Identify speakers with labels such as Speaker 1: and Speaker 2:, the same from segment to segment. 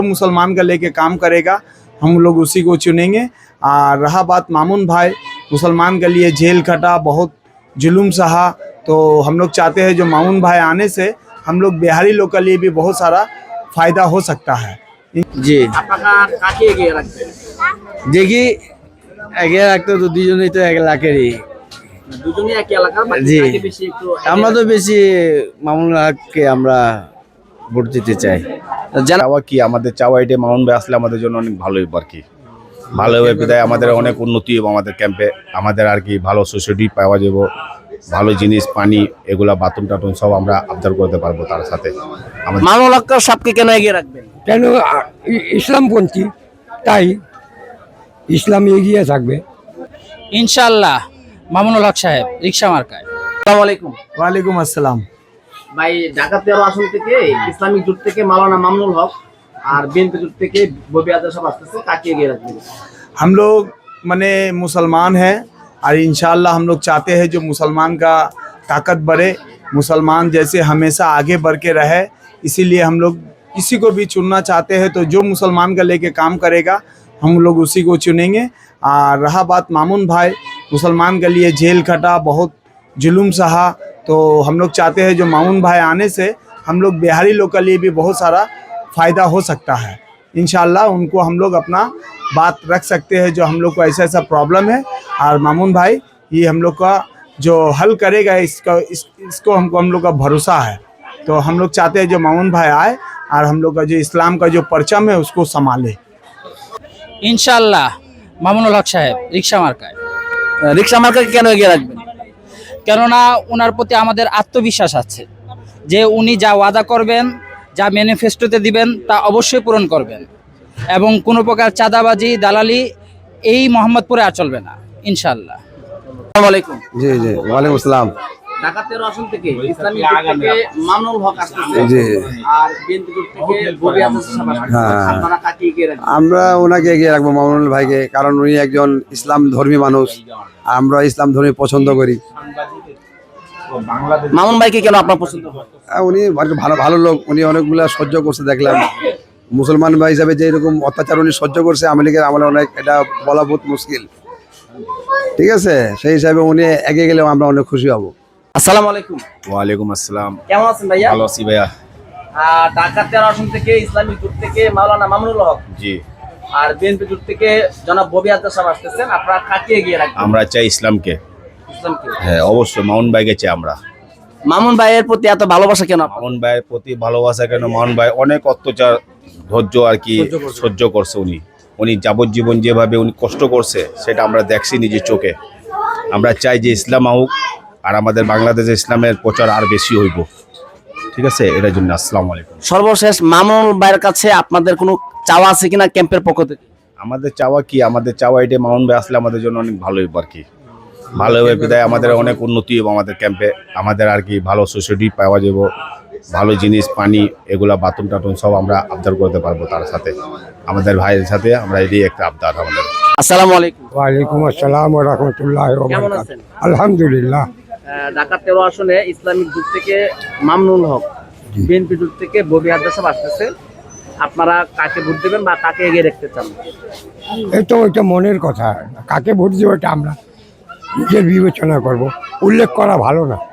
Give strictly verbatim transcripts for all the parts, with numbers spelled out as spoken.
Speaker 1: मुसलमान का लेके काम करेगा हम लोग उसी को चुनेंगे। और रहा बात मामून भाई, मुसलमान के लिए जेल खटा, बहुत जुल्म सहा, तो हम लोग चाहते हैं जो मामून भाई आने से हम लोग बिहारी लोग के लिए भी बहुत सारा फ़ायदा हो सकता है।
Speaker 2: जी দেখি একে রাখতে তো দুজনেই তো এক লাখেরই। জি আমরা তো বেশি মামুনুল হককে আমরা ভোট দিতে চাই।
Speaker 3: চাওয়া কি আমাদের চাওয়া এটা মামুন ভাই আসলে আমাদের জন্য অনেক ভালোই আর কি ভালো হবে বিদায় আমাদের অনেক উন্নতি হবে আমাদের ক্যাম্পে, আমাদের আর কি ভালো সোসাইটি পাওয়া যাব, ভালো জিনিস পানি এগুলা বাথরুম টাথরুম সব আমরা আবদার করতে পারবো। তার সাথে
Speaker 2: মামুনুল হক সবকে কেন এগিয়ে রাখবেন?
Speaker 4: কেন ইসলামপন্থী, তাই ইসলাম এগিয়ে থাকবে
Speaker 5: ইনশাআল্লাহ। মামুনুল হক সাহেব, রিকশা মার্কায়।
Speaker 2: আসসালামু আলাইকুম।
Speaker 1: वालेकुम अस्सलाम।
Speaker 2: ভাই ঢাকা তেরো আসন থেকে ইসলামিক জোট থেকে মাওলানা মামুনুল হক আর বিএনপি জোট থেকে ববি আজাদ সাহেব আসতেছে, কাকে এগিয়ে রাখবেন?
Speaker 1: हम लोग मने मुसलमान हैं और इंशाअल्लाह हम लोग चाहते हैं जो मुसलमान का ताकत बढ़े, मुसलमान जैसे हमेशा आगे बढ़ के रहे, इसीलिए हम लोग किसी को भी चुनना चाहते हैं। तो जो मुसलमान का लेके काम करेगा हम लोग उसी को चुनेंगे। और रहा बात मामून भाई, मुसलमान के लिए जेल खटा, बहुत जुल्म सहा, तो हम लोग चाहते हैं जो मामून भाई आने से हम लोग बिहारी लोग के लिए भी बहुत सारा फ़ायदा हो सकता है। इंशाअल्लाह उनको हम लोग अपना बात रख सकते हैं जो हम लोग को ऐसा ऐसा प्रॉब्लम है, और मामून भाई ये हम लोग का जो हल करेगा इसका इस, इसको हमको हम लोग का भरोसा है। तो हम लोग चाहते हैं जो मामून भाई आए और हम लोग का जो इस्लाम का जो परचम है उसको संभाले।
Speaker 5: ইনশাআল্লাহ মামুনুল হক সাহেব, রিকশা মার্কায়।
Speaker 2: রিকশা মার্কাকে কেন এগিয়ে রাখবেন?
Speaker 5: কেননা ওনার প্রতি আমাদের আত্মবিশ্বাস আছে যে উনি যা ওয়াদা করবেন, যা ম্যানিফেস্টোতে দিবেন তা অবশ্যই পূরণ করবেন, এবং কোনো প্রকার চাঁদাবাজি দালালি এই মোহাম্মদপুরে আর চলবে না ইনশাআল্লাহ।
Speaker 2: আসসালামু আলাইকুম।
Speaker 4: জি জি ওয়ালাইকুম আসসালাম।
Speaker 2: ঢাকা তেরো আসন থেকে ইসলামিক জোট থেকে মামুনুল হক আসতেছে,
Speaker 4: জি,
Speaker 2: আর বিএনপি জোট থেকে ববি আজাদ সাহেব আসতেছে, আপনারা কাকে এগিয়ে রাখবেন?
Speaker 4: আমরা ওনাকে এগিয়ে রাখবো, মামুনুল ভাইকে, কারণ উনি একজন ইসলাম ধর্মী মানুষ, আমরা ইসলাম ধর্মী পছন্দ করি।
Speaker 2: মামুন ভাইকে কেন আপনার পছন্দ?
Speaker 4: আর উনি ভালো ভালো লোক, উনি অনেকগুলা সহ্য করছে দেখলাম। মুসলমান ভাই হিসাবে যে এরকম অত্যাচার উনি সহ্য করছে আওয়ামী লীগের আমলে, অনেক এটা বলা বহুত মুশকিল। ঠিক আছে, সেই হিসাবে উনি এগিয়ে গেলেও আমরা অনেক খুশি হব।
Speaker 2: আসসালামু আলাইকুম।
Speaker 3: ওয়ালাইকুম আসসালাম।
Speaker 2: কেমন আছেন ভাইয়া?
Speaker 3: ভালো আছি ভাইয়া।
Speaker 2: আর ঢাকা তেরো আসন থেকে ইসলামিক জোট থেকে মাওলানা মামুনুল হক,
Speaker 3: জি,
Speaker 2: আর বিএনপি জোট থেকে জনাব ববি আজাদ সাহেব আসতেছেন, আপনারা কাকে এগিয়ে রাখবেন?
Speaker 3: আমরা চাই ইসলামকে।
Speaker 2: ইসলামকে?
Speaker 3: হ্যাঁ অবশ্যই মামুন ভাইকে চাই আমরা।
Speaker 2: মামুন ভাইয়ের প্রতি এত ভালোবাসা কেন?
Speaker 3: মামুন ভাইয়ের প্রতি ভালোবাসা কেন? মামুন ভাই অনেক অত্যাচার ধৈর্য আর কি সহ্য করছে উনি, উনি যাবজ্জীবন যেভাবে উনি কষ্ট করছে সেটা আমরা দেখছি নিজের চোখে। আমরা চাই যে ইসলাম হোক আর আমাদের বাংলাদেশে ইসলামের প্রচার আর বেশি হইব। ঠিক আছে, এটার জন্য আসসালামু আলাইকুম।
Speaker 2: সর্বশেষ মামুনুল ভাইয়ের কাছে আপনাদের কোনো চাওয়া আছে কিনা ক্যাম্পের পক্ষ থেকে?
Speaker 3: আমাদের চাওয়া কি আমাদের চাওয়া এটা মামুন ভাই আসলে আমাদের জন্য অনেক ভালো হইব আর কি ভালো হবে বিদায় আমাদের অনেক উন্নতি হবে আমাদের ক্যাম্পে, আমাদের আর কি ভালো সোসাইটি পাওয়া যাব, ভালো জিনিস পানি এগুলা বাথরুম টাথরুম সব আমরা আবদার করতে পারবো। তার সাথে আমাদের ভাইয়ের সাথে আমরা এটাই একটা আবদার আমাদের।
Speaker 2: আসসালামু আলাইকুম।
Speaker 4: ওয়ালাইকুম আসসালাম ওয়া রাহমাতুল্লাহি ওয়া
Speaker 2: কেমন
Speaker 4: বারাকাতুহু।
Speaker 2: আছেন?
Speaker 4: আলহামদুলিল্লাহ।
Speaker 2: ঢাকা তেরো আসনে ইসলামিক জোট থেকে মামুনুল হক, বিএনপি জোট থেকে ববি আজাদ সাহেব আসতেছে, আপনারা কাকে ভোট দেবেন বা কাকে এগিয়ে রাখতে চান?
Speaker 4: এই তো ওইটা মনের কথা, কাকে ভোট দিব এটা আমরা নিজের বিবেচনা করব, উল্লেখ করা ভালো না।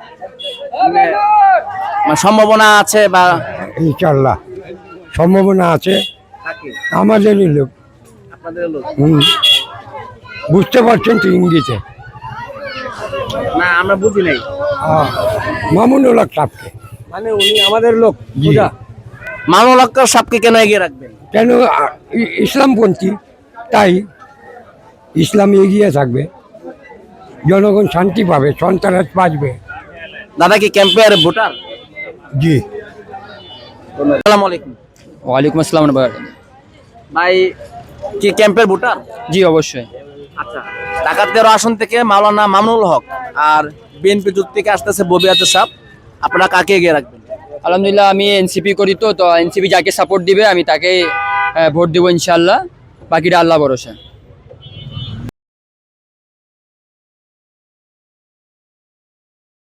Speaker 2: মানে সম্ভাবনা আছে বা
Speaker 4: ইনশাআল্লাহ সম্ভাবনা আছে,
Speaker 2: কাকে?
Speaker 4: আমাদেরই লোক।
Speaker 2: আপনাদের লোক?
Speaker 4: হুম, বুঝতে পারছেন তো ইঙ্গিতে?
Speaker 2: না আমরা বুঝি নাই।
Speaker 4: মামুনুল হক সাহেবকে,
Speaker 2: মানে উনি আমাদের লোক।
Speaker 4: জি।
Speaker 2: মামুনুল হক সাহেবকে কেন এগিয়ে রাখবেন?
Speaker 4: কেন ইসলামপন্থী, তাই ইসলাম এগিয়ে থাকবে, জনগণ শান্তি পাবে, সন্ত্রাস বাঁচবে।
Speaker 2: দাদা কি ক্যাম্পের ভোটার?
Speaker 4: জি।
Speaker 2: আসসালামু আলাইকুম।
Speaker 5: ওয়ালাইকুম আসসালাম।
Speaker 2: ভাই কি ক্যাম্পের ভোটার?
Speaker 5: জি অবশ্যই।
Speaker 2: আচ্ছা, ঢাকা তেরো আসন থেকে মাওলানা মামুনুল হক আর বিএনপি জোট থেকে আসতেছে ববি আজাদ সাহেব, আপনারা কাকে এগিয়ে রাখবেন?
Speaker 5: আলহামদুলিল্লাহ আমি এনসিপি করি, তো তো এনসিপি যাকে সাপোর্ট দিবে আমি তাকেই ভোট দেবো ইনশাআল্লাহ, বাকিটা আল্লাহ ভরসা।